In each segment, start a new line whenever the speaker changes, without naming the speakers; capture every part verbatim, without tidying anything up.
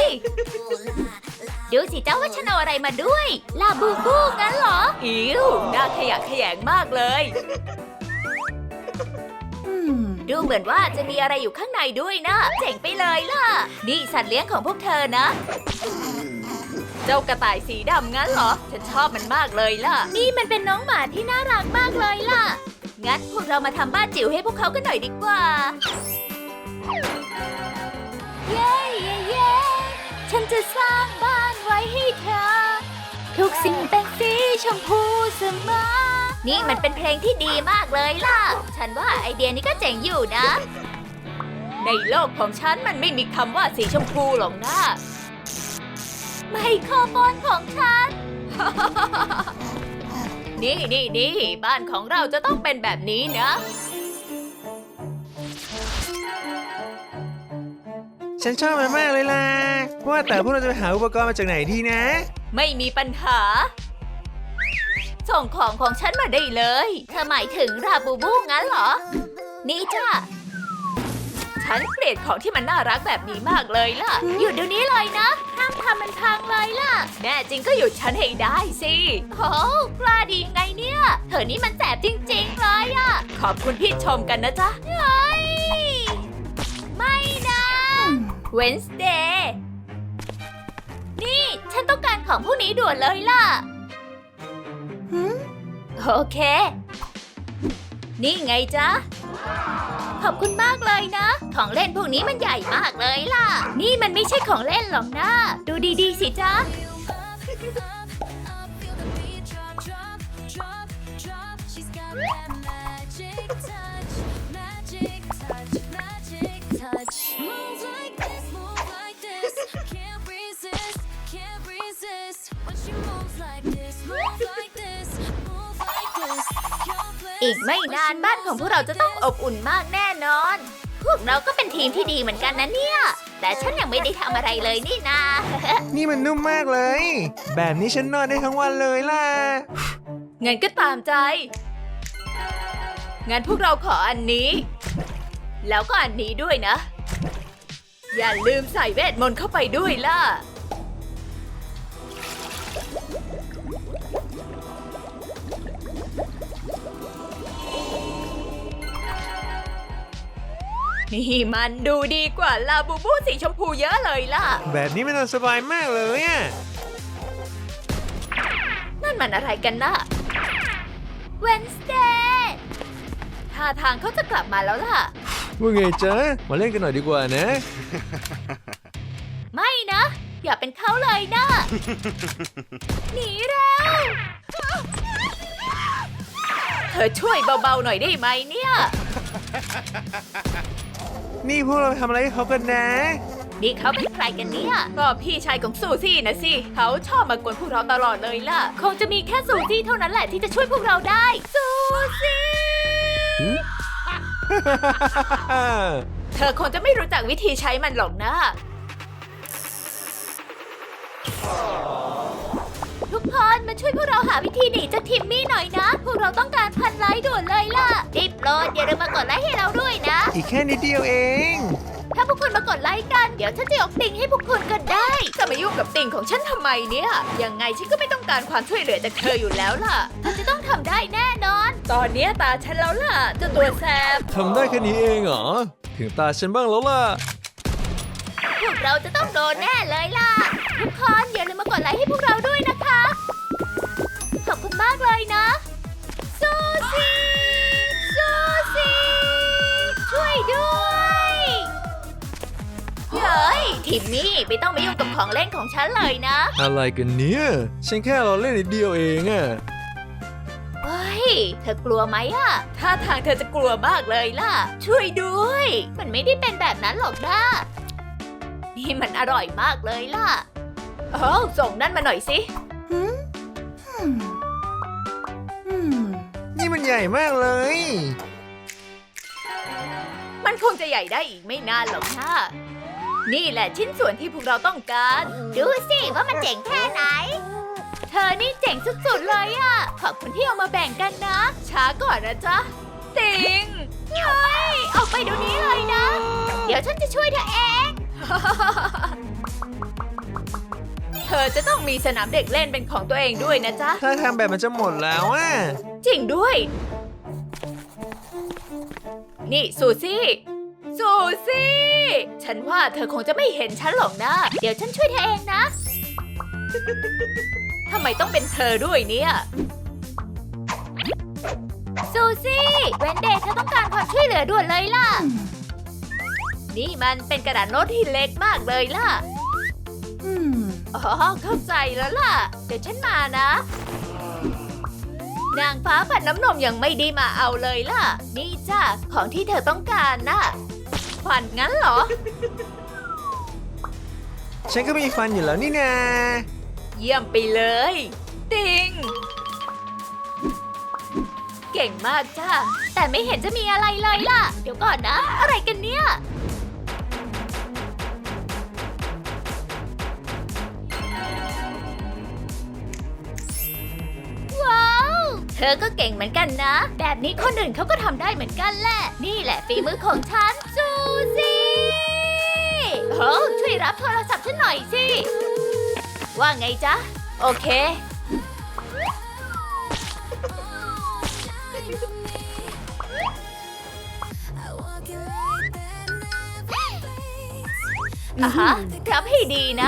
ดูสิเจ้าว่าฉันเอาอะไรมาด้วย ลาบูบูงั้นเหรอ อิ๋วน่าขยะแขยงมากเลยดูเหมือนว่าจะมีอะไรอยู่ข้างในด้วยนะเจ๋งไปเลยล่ะนี่สัตว์เลี้ยงของพวกเธอนะเจ้ากระต่ายสีดำงั้นเหรอฉันชอบมันมากเลยล่ะนี่มันเป็นน้องหมาที่น่ารักมากเลยล่ะงั้นพวกเรามาทำบ้านจิ๋วให้พวกเขากันหน่อยดีกว่าเย้เย้เย้ฉันจะสร้างบ้านไว้ให้เธอทุกสิ่งเป็นสีชมพูเสมอนี่มันเป็นเพลงที่ดีมากเลยล่ะฉันว่าไอเดียนี้ก็เจ๋งอยู่นะในโลกของฉันมันไม่มีคำว่าสีชมพูหรอกนะไมโครโฟนของฉัน นี่นี่นี่บ้านของเราจะต้องเป็นแบบนี้นะ
ฉันชอบมันมากเลยล่ะว่าแต่พวกเราจะไปหาอุปกรณ์มาจากไหนดีนะ
ไม่มีปัญหาส่งของของฉันมาได้เลยเธอหมายถึงราบูบูงั้นเหรอนี่จ้ะฉันเกลียดของที่มันน่ารักแบบนี้มากเลยล่ะหยุดเดี๋ยวนี้เลยนะห้ามทำมันพังเลยล่ะแน่จริงก็หยุดฉันให้ได้สิโอ้กล้าดีไงเนี่ยเธอนี่มันแสบจริงๆเลยอะขอบคุณที่ชมกันนะจ๊ะเฮ้ยไม่นะเวนส์เดย์นี่ฉันต้องการของพวกนี้ด่วนเลยล่ะโอเคนี่ไงจ๊ะขอบคุณมากเลยนะของเล่นพวกนี้มันใหญ่มากเลยล่ะนี่มันไม่ใช่ของเล่นหรอกนะดูดีๆสิจ๊ะอีกไม่นานบ้านของพวกเราจะต้องอบอุ่นมากแน่นอนพวกเราก็เป็นทีมที่ดีเหมือนกันนะเนี่ยแต่ฉันยังไม่ได้ทำอะไรเลยนี่นา
นี่มันนุ่มมากเลยแบบนี้ฉันนอนได้ทั้งวันเลยล่ะ
งั้นก็ตามใจงั้นพวกเราขออันนี้แล้วก็อันนี้ด้วยนะอย่าลืมใส่เวทมนต์เข้าไปด้วยล่ะนี่มันดูดีกว่าลาบูบูสีชมพูเยอะเลยล่ะ
แบบนี้มันนอนสบายมากเลยอ่ะ
นั่นมันอะไรกันนะเวนสเดย์ท่าทางเขาจะกลับมาแล้วล่ะ
ว่าไงจ๊ะมาเล่นกันหน่อยดีกว่านะ
ไม่นะอย่าเป็นเขาเลยนะ หนีเร็วเธอช่วยเบาๆหน่อยได้ไหมเนี่ย
นี่พวกเราทำอะไรให้เขากันนะ
นี่เขาเป็นใครกันเนี่ยก็พี่ชายของซูซี่นะสิเขาชอบมากวนพวกเราตลอดเลยล่ะคงจะมีแค่ซูซี่เท่านั้นแหละที่จะช่วยพวกเราได้ซูซี่เธอคงจะไม่รู้จักวิธีใช้มันหรอกนะทุกคนมาช่วยพวกเราหาวิธีหนีจากทิมมี่หน่อยนะพวกเราต้องการพันไลค์ด่วนเลยล่ะรีบโหลดอย่าลืมมากดไลค์ให้เราด้วยนะ
อีกแค่นิดเดียวเอง
ถ้าพวกคุณมากดไลค์กันเดี๋ยวฉันจะยกติ่งให้พวกคุณก็ได้จะมายุ่งกับติ่งของฉันทำไมเนี่ยยังไงฉันก็ไม่ต้องการความช่วยเหลือจากเธออยู่แล้วล่ะเธอจะต้องทำได้แน่นอนตอนนี้ตาฉันแล้วล่ะเจ้าตัวแสบ
ทำได้แค่นี้เองเหรอถึงตาฉันบ้างแล้วล่ะ
พวกเราจะต้องโดนแน่เลยล่ะทุกคนอย่าลืมมากดไลค์ให้พวกเราด้วยนะคะขอบคุณมากเลยนะซูซี่ซูซี่ช่วยด้วยเฮ้ยทิมมี่ไม่ต้องมายุ่งกับของเล่นของฉันเลยนะ
อะไรกันเนี่ยฉันแค่เราเล่นนิดเดียวเองอะ
เฮ้ยเธอกลัวไหมอะท่าทางเธอจะกลัวมากเลยล่ะช่วยด้วยมันไม่ได้เป็นแบบนั้นหรอกนะนี่มันอร่อยมากเลยล่ะเอ้าส่งนั่นมาหน่อยสิ
นี่มันใหญ่มากเลย
มันคงจะใหญ่ได้อีกไม่นานหรอกนะนี่แหละชิ้นส่วนที่พวกเราต้องการดูสิว่ามันเจ๋งแค่ไหนเธอนี่เจ๋งสุดๆเลยอ่ะขอบคุณที่เอามาแบ่งกันนะช้าก่อนนะจ๊ะติงเฮ้ยออกไปเดี๋ยวนี้เลยนะเดี๋ยวฉันจะช่วยเธอเองอจะต้องมีสนามเด็กเล่นเป็นของตัวเองด้วยนะจ๊ะ
ถ้าทำแบบมันจะหมดแล้วอ่ะ
จริงด้วย นี่ซูซี่ ซูซี่ ฉันว่าเธอคงจะไม่เห็นฉันหรอกนะ เดี๋ยวฉันช่วยเธอเองนะ ทำไมต้องเป็นเธอด้วยเนี่ย ซูซี่ เวนเดย์เธอต้องการความช่วยเหลือด่วนเลยล่ะ นี่มันเป็นกระดาษโน้ตที่เล็กมากเลยล่ะ อ๋อ เข้าใจแล้วล่ะ เดี๋ยวฉันมานะ นางฟ้าผัดน้ำนมยังไม่ได้มาเอาเลยล่ะ นี่จ้ะของที่เธอต้องการน่ะฟันงั้นเหรอ
ฉันก็มีฟันอยู่แล้วนี่นา
เยี่ยมไปเลย ติง เก่งมากจ้ะแต่ไม่เห็นจะมีอะไรเลยล่ะ เดี๋ยวก่อนนะ อะไรกันเนี่ย ว้าว เธอก็เก่งเหมือนกันนะ แบบนี้คนอื่นเขาก็ทำได้เหมือนกันแหละ นี่แหละฝีมือของฉัน ซูซี่โอ้ช่วยรับโทรศัพท์ฉันหน่อยสิ ว่าไงจ๊ะ โอเค อ่ะฮะรับให้ดีนะ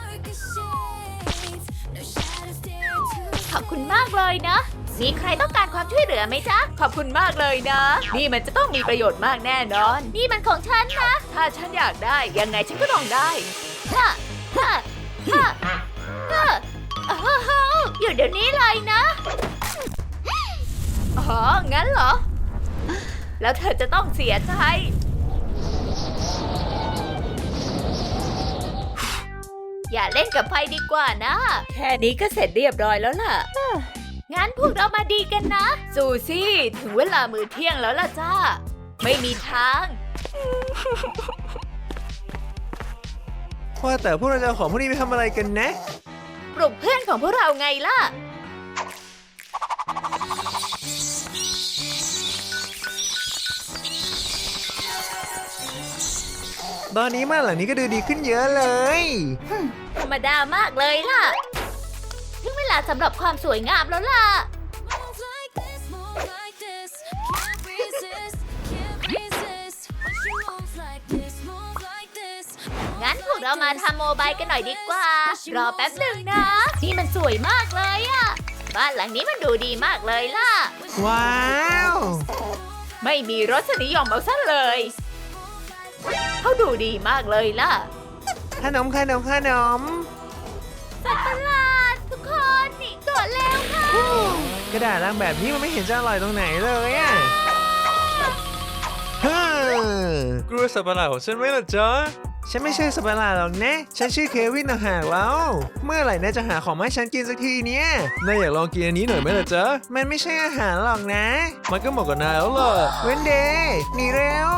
ขอบคุณมากเลยนะ มีใครต้องการความช่วยเหลือไหมจ๊ะ ขอบคุณมากเลยนะ นี่มันจะต้องมีประโยชน์มากแน่นอน นี่มันของฉันนะ ถ้าฉันอยากได้ยังไงฉันก็ต้องได้ฮะฮะฮะฮะอ้าวอยู่เดี๋ยวนี้เลยนะ อ๋อ งั้นเหรอ แล้วเธอจะต้องเสียใจ อย่าเล่นกับไฟดีกว่านะ แค่นี้ก็เสร็จเรียบร้อยแล้วล่ะ งั้นพวกเรามาดีกันนะ ซูซี่ ถึงเวลามื้อเที่ยงแล้วล่ะจ้า ไม่มีทาง
ว่าแต่พวกเราจะเอาของพวกนี้ไปทำอะไรกันนะ
ปลุกเพื่อนของพวกเราไงล่ะ
ตอนนี้บ้านหลังนี้ก็ดูดีขึ้นเยอะเลย
ธรรมดามากเลยล่ะ ถึงเวลาสำหรับความสวยงามแล้วล่ะ งั้นพวกเรามาทำโมบายกันหน่อยดีกว่า รอแป๊บหนึ่งนะ นี่มันสวยมากเลยอะบ้านหลังนี้มันดูดีมากเลยล่ะ
ว้าว
ไม่มีรสนิยมเอาซะเลย เขาดูดีมากเลยล่ะ
ขนมขนมขนม
สัตว์ประหลาดทุกคนหนีก่อนแล้วค่ะ
กระดาษลังแบบนี้มันไม่เห็นจะอร่อยตรงไหนเลยอ่ะเฮ้อกลัวสัตว์ประหลาดของฉันไหมล่ะจ๊ะ ฉันไม่ใช่สัตว์ประหลาดหรอกนะ ฉันชื่อเควินต่างหากแล้ว เมื่อไหร่นายจะหาของมาให้ฉันกินสักทีเนี่ยนายอยากลองกินอันนี้หน่อยไหมล่ะจ๊ะ มันไม่ใช่อาหารหรอกนะ มันก็เหมาะกับนายแล้วล่ะเวนเดย์หนีเร็ว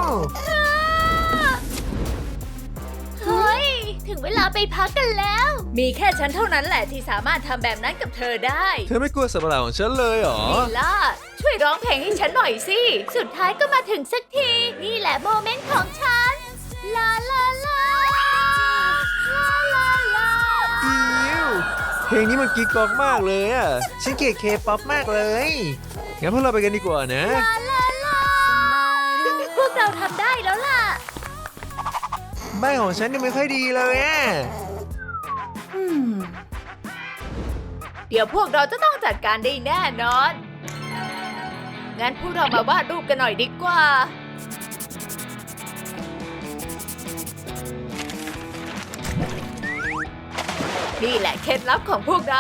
เฮ้ย ถึงเวลาไปพักกันแล้ว มีแค่ฉันเท่านั้นแหละที่สามารถทำแบบนั้นกับเธอได้
เธอไม่กลัวสัตว์ประหลาดของฉันเลยเหรอ
นี่ล่ะ ช่วยร้องเพลงให้ฉันหน่อยสิ สุดท้ายก็มาถึงสักที นี่แหละโมเมนต์ของฉัน ลาลาลา ลาลาลา
อิวเพลงนี้มันกิ๊กก๊อกมากเลยอ่ะ ฉันเกลียดเคป๊อปมากเลย งั้นพวกเราไปกันดีกว่านะ
ลาลาลา พวกเราทำได้แล้วล่ะ
บ้านของฉันยังไม่ค่อยดีเลยอ่ะ
เดี๋ยวพวกเราจะต้องจัดการได้แน่นอน งั้นพวกเรามาวาดรูปกันหน่อยดีกว่า นี่แหละเคล็ดลับของพวกเรา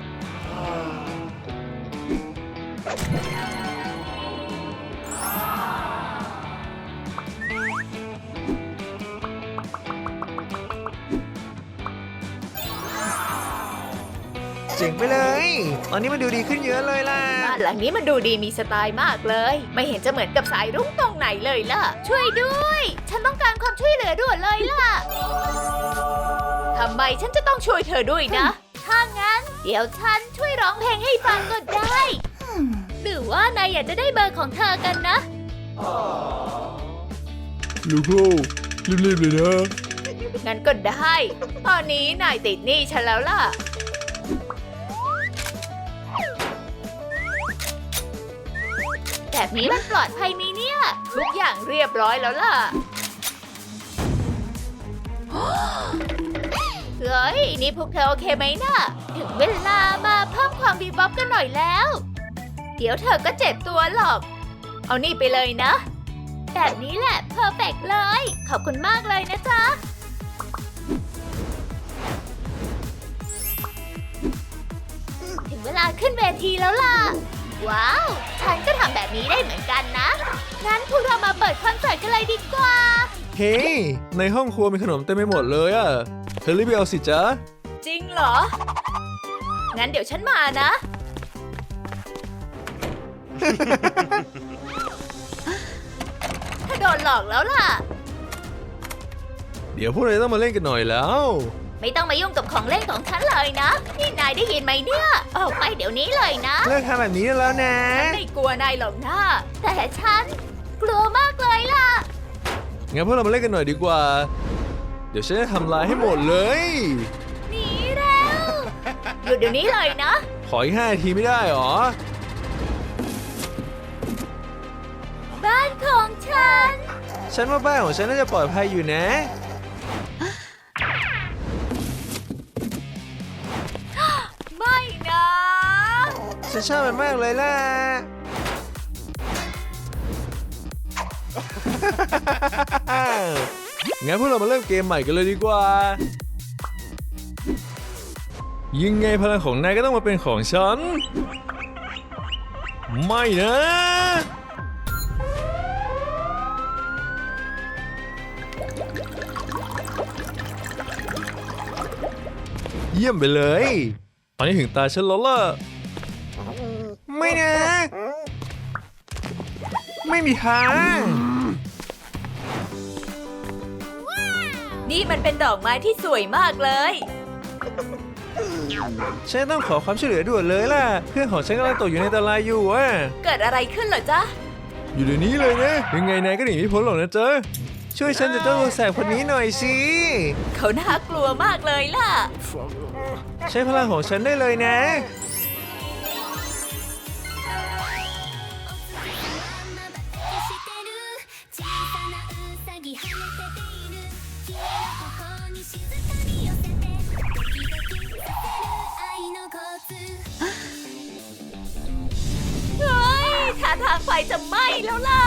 เจ๋งไปเลย ตอนนี้มันดูดีขึ้นเยอะเลยล่ะ
บ้านหลังนี้มันดูดีมีสไตล์มากเลย ไม่เห็นจะเหมือนกับสายรุ้งตรงไหนเลยล่ะ ช่วยด้วย ฉันต้องการความช่วยเหลือด่วนเลยล่ะ ทำไมฉันจะต้องช่วยเธอด้วยนะ ถ้างั้น เดี๋ยวฉันช่วยร้องเพลงให้ฟังก็ได้ หรือว่านายอยากจะได้เบอร์ของเธอกันนะ
ลูกโก้รีบๆเลยนะ
งั้นก็ได้ ตอนนี้นายติดหนี้ฉันแล้วล่ะ แบบนี้มันปลอดภัยไหมเนี่ย ทุกอย่างเรียบร้อยแล้วล่ะ เฮ้ย นี่พวกเธอโอเคไหมนะ่ะ ถึงเวลามาเพิ่มความบีบ๊อบกันหน่อยแล้ว เดี๋ยวเธอก็เจ็บตัวหรอก เอานี่ไปเลยนะ แบบนี้แหละเพอร์เฟกต์เลย ขอบคุณมากเลยนะจ๊ะ ถึงเวลาขึ้นเวทีแล้วล่ะ ว้าว ฉันก็ทำแบบนี้ได้เหมือนกันนะ งั้นพวกเรามาเปิดคอนเสิร์ตกันเลยดีกว่า
เฮ้ยในห้องครัวมีขนมเต็มไปหมดเลยอะเธอรีบไปเอาสิจ๊ะ
จริงเหรอ งั้นเดี๋ยวฉันมานะ ถ้าโดนหลอกแล้วล่ะ
เดี๋ยวพวกเราต้องมาเล่นกันหน่อยแล้ว
ไม่ต้องมายุ่งกับของเล่นของฉันเลยนะ นี่นายได้ยินไหมเนี่ย ออกไปเดี๋ยวนี้เลยนะ
เลิกทำแบบนี้ได้แล้วนะ
ไม่กลัวนายหรอกนะ แต่ฉันกลัวมากเลยล่ะ
งั้นพวกเรามาเล่นกันหน่อยดีกว่า เดี๋ยวฉันจะทำลายให้หมดเลย
หนีแล้วหยุดเดี๋ยวนี้เลยนะ
ขออีกห้านาทีไม่ได้หรอ
บ้านของฉัน
ฉันว่าบ้านของฉันน่าจะปลอดภัยอยู่นะ
ไม่นะ
ฉันชอบมันมากเลยล่ะ งั้นพวกเรามาเริ่มเกมใหม่กันเลยดีกว่า ยังไงพลังของนายก็ต้องมาเป็นของฉัน ไม่นะ เยี่ยมไปเลย ตอนนี้ถึงตาฉันแล้วล่ะ ไม่นะ ไม่มีทาง
นี่มันเป็นดอกไม้ที่สวยมากเลย
ฉันต้องขอความช่วยเหลือด่วนเลยล่ะ เพื่อนของฉันกำลังตกอยู่ในอันตรายอยู่อ่ะ
เกิดอะไรขึ้นเหรอจ๊ะ
อยู่เดี๋ยวนี้เลยนะ ยังไงนายก็หนีไม่พ้นหรอกนะเจ๊ะช่วยฉันจะเจ้าตัวแสบคนนี้หน่อยสิ
เขาน่ากลัวมากเลยล่ะ
ใช้พลังของฉันได้เลยนะ
เฮ้ยท่าทางไฟจะไหม้แล้วล่ะ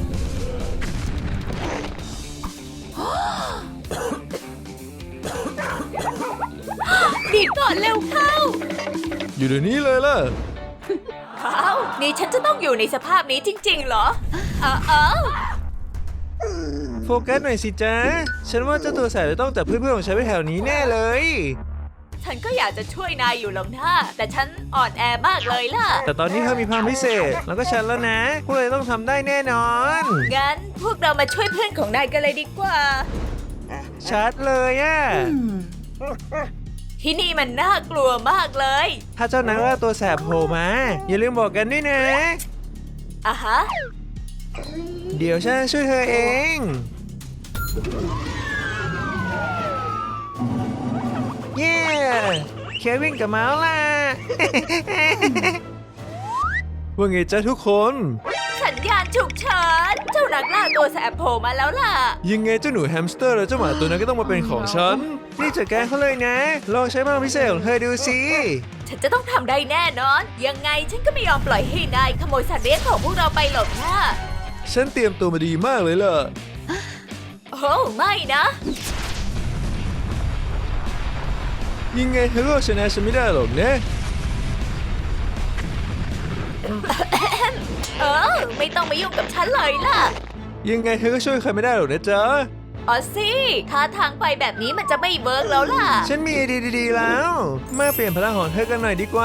ดีดก่อนเร็วเข้า
อยู่เดี๋ยวนี้เลยล่ะ
เขานี่ฉันจะต้องอยู่ในสภาพนี้จริงๆเหรอ เออเออ
โฟกัสหน่อยสิจ๊ะ ฉันว่าเจ้าตัวแสบจะต้องจับเพื่อนๆของฉันไปแถวนี้แน่เลย
ฉันก็อยากจะช่วยนายอยู่หรอกนะแต่ฉันอ่อนแอมากเลยล่ะ
แต่ตอนนี้เธอมีพลังพิเศษ แล้วก็ฉันแล้วนะ พวกเราต้องทำได้แน่นอน
งั้นพวกเรามาช่วยเพื่อนของนายกันเลยดีกว่า
ชัดเลยอ่ะ
ที่นี่มันน่ากลัวมากเลย
ถ้าเจ้านักล่าตัวแสบโผล่มา อย่าลืมบอกกันด้วยนะ
อ่ะฮะ
เดี๋ยวฉันช่วยเธอเอง เย้ เควินกับเมาส์ล่ะ ว่าไงจ๊ะทุกคน
สัญญาณฉุกเฉินเจ้านักล่าตัวแสบโผล่มาแล้วล่ะ
ยังไงเจ้าหนูแฮมสเตอร์และเจ้าหมาตัวนั้นก็ต้องมาเป็นของฉัน นี่จัดการเขาเลยนะ ลองใช้พลังพิเศษของเธอดูสิ
ฉันจะต้องทำได้แน่นอน ยังไงฉันก็ไม่ยอมปล่อยให้นายขโมยสัตว์เลี้ยงของพวกเราไปหรอกนะ
ฉันเตรียมตัวมาดีมากเลยล่ะ
โอ้ไม่นะ
ยังไงเธอก็ชนะฉันไม่ได้หรอกนะ
เออ ไม่ต้องมายุ่งกับฉันเลยล่ะ
ยังไงเธอก็ช่วยใครไม่ได้หรอกนะจ๊ะ
อ๋อสิท่าทางไปแบบนี้มันจะไม่เวิร์กแล้วล่ะ
ฉันมีไอเดียดีๆแล้ว มาเปลี่ยนพลังของเธอกันหน่อยดีกว่า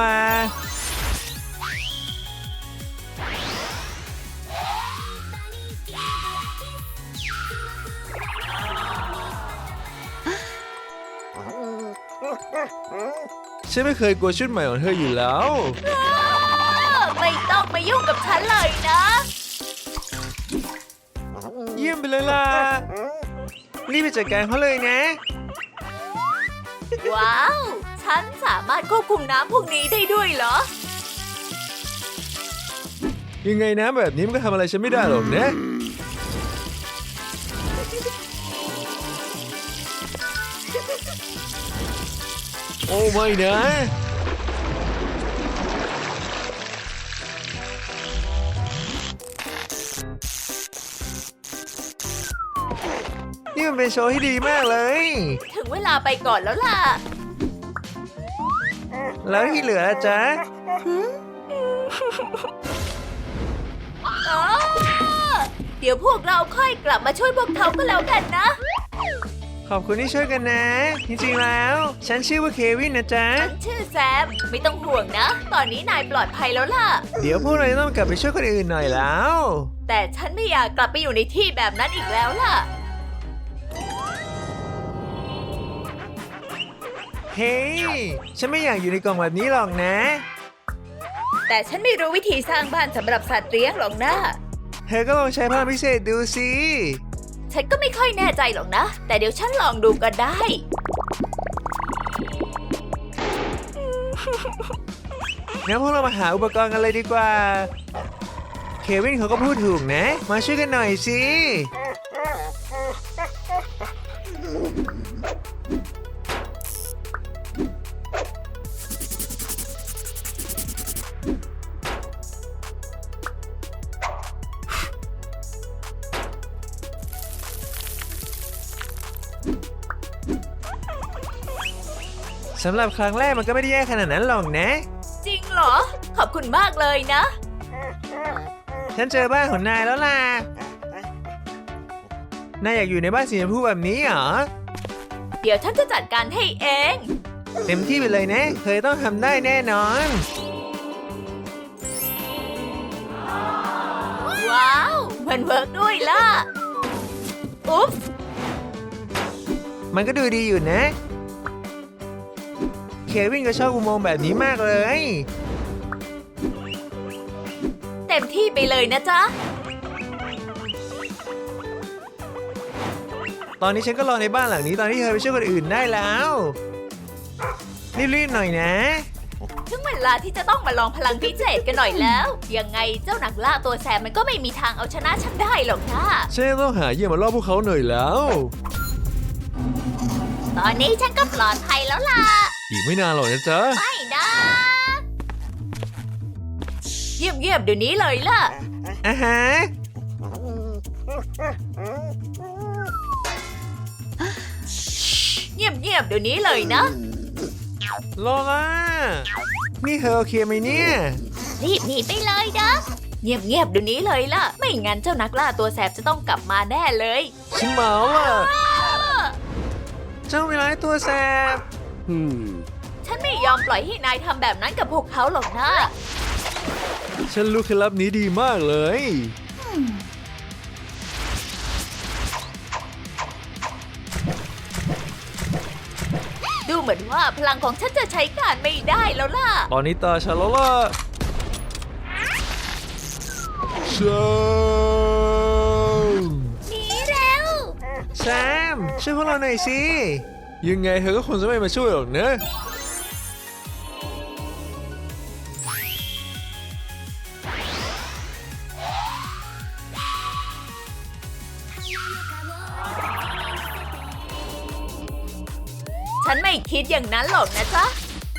ฉันไม่เคยกลัวชุดใหม่ของเธออยู่แล้ว
ไม่ต้องมายุ่งกับฉันเลยนะ
เยี่ยมไปเลยล่ะ รีบไปจัดการเขาเลยนะ
ว้าว ฉันสามารถควบคุมน้ำพวกนี้ได้ด้วยเหรอ
ยังไงนะแบบนี้มันก็ทำอะไรฉันไม่ได้หรอกนะ โอ้ไม่นะ นี่มันเป็นโชว์ที่ดีมากเลย
ถึงเวลาไปก่อนแล้วล่ะ
แล้วที่เหลือล่ะจ๊ะ
อ้าเดี๋ยวพวกเราค่อยกลับมาช่วยพวกเขาก็แล้วกันนะ
ขอบคุณที่ช่วยกันนะ จริงๆแล้ว ฉันชื่อว่าเควินนะจ๊ะ
ฉันชื่อแซม ไม่ต้องห่วงนะ ตอนนี้นายปลอดภัยแล้วล่ะ
เดี๋ยวพวกเราจะต้องกลับไปช่วยคนอื่นหน่อยแล้ว
แต่ฉันไม่อยากกลับไปอยู่ในที่แบบนั้นอีกแล้วล่ะ
เฮ้ย ฉันไม่อยากอยู่ในกล่องแบบนี้หรอกนะ
แต่ฉันไม่รู้วิธีสร้างบ้านสำหรับสัตว์เลี้ยงหรอกนะ
เธอก็ลองใช้พลังพิเศษดูสิ
ฉันก็ไม่ค่อยแน่ใจหรอกนะ แต่เดี๋ยวฉันลองดูก็ได้
งั้นพวกเรามาหาอุปกรณ์กันเลยดีกว่า เควินเขาก็พูดถูกนะ มาช่วยกันหน่อยสิ สำหรับครั้งแรกมันก็ไม่ได้แย่ขนาดนั้นหรอกนะ
จริงเหรอ ขอบคุณมากเลยนะ
ฉันเจอบ้านของนายแล้วล่ะ นายอยากอยู่ในบ้านสีชมพูแบบนี้เหรอ
เดี๋ยวฉันจะจัดการให้เอง
เต็มที่ไปเลยนะเธอต้องทำได้แน่นอน
ว้าว มันเวิร์กด้วยล่ะ อุ๊บ
มันก็ดูดีอยู่นะ เควินก็ชอบอุโมงค์แบบนี้มากเลย
เต็มที่ไปเลยนะจ๊ะ
ตอนนี้ฉันก็รอในบ้านหลังนี้ตอนที่เธอไปช่วยคนอื่นได้แล้ว รีบๆหน่อยนะ
ถึงเวลาที่จะต้องมาลองพลังพิเศษกันหน่อยแล้ว ยังไงเจ้านักล่าตัวแสบมันก็ไม่มีทางเอาชนะฉันได้หรอกนะ
ฉันต้องหาเหยื่อมาล่อพวกเขาหน่อยแล้ว
ตอนนี้ฉันก็ปลอดภัยแล้วล่ะ
อีกไม่นานหรอกนะจ๊ะ
ไม่นะ เยี่ยมเยี่ยมๆเดี๋ยวนี้เลยล่ะ
อ่ะฮะ
เงียบเงียบๆเดี๋ยวนี้เลยนะ
โลล่า นี่เธอโอเคไหมเนี่ย
รีบหนีไปเลยนะ เงียบเงียบๆเดี๋ยวนี้เลยล่ะ ไม่งั้นเจ้านักล่าตัวแสบจะต้องกลับมาแน่เลย
ฉันเมาอ่ะ เจ้าเวลาตัวแสบ
ฉันไม่ยอมปล่อยให้นายทำแบบนั้นกับพวกเขาหรอกนะ
ฉันรู้เคล็ดลับนี้ดีมากเลย
ดูเหมือนว่าพลังของฉันจะใช้การไม่ได้แล้วล่ะ
ตอนนี้ตาฉันแล้วล่ะแซม
หนีเร็ว
แซมช่วยพวกเราหน่อยสิ ยังไงเธอก็คงจะไม่มาช่วยหรอกนะ
ฉันไม่คิดอย่างนั้นหรอกนะจ๊ะ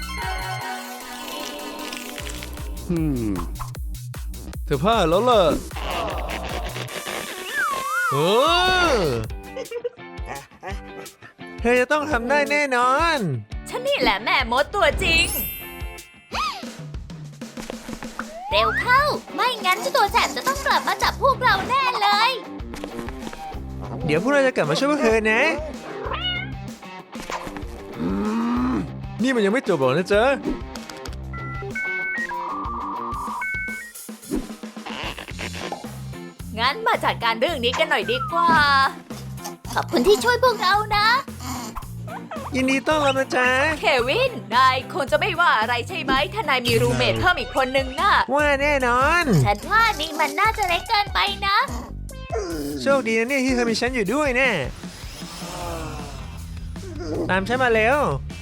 เธอพลาดแล้วล่ะเออเธอจะต้องทำได้แน่นอน
ฉันนี่แหละแม่มดตัวจริง เร็วเข้า ไม่งั้นเจ้าตัวแสบจะต้องกลับมาจับพวกเราแน่เลย
เดี๋ยวพวกเราจะกลับมาช่วยพวกเธอนะอืมนี่มันยังไม่จบหรอกนะจ๊ะ
งั้นมาจัดการเรื่องนี้กันหน่อยดีกว่า ขอบคุณที่ช่วยพวกเรานะ
ยินดีต้อนรับนะจ๊ะ
เควิน นายคงจะไม่ว่าอะไรใช่ไหม ถ้านายมีรูเมทเพิ่มอีกคนนึงน่ะ
ว่าแน่นอน
ฉันว่านี่มันน่าจะเล็กเกินไปนะ
โชคดีนะเนี่ยที่เธอมีฉันอยู่ด้วยแน่ตามฉันมาเร็ว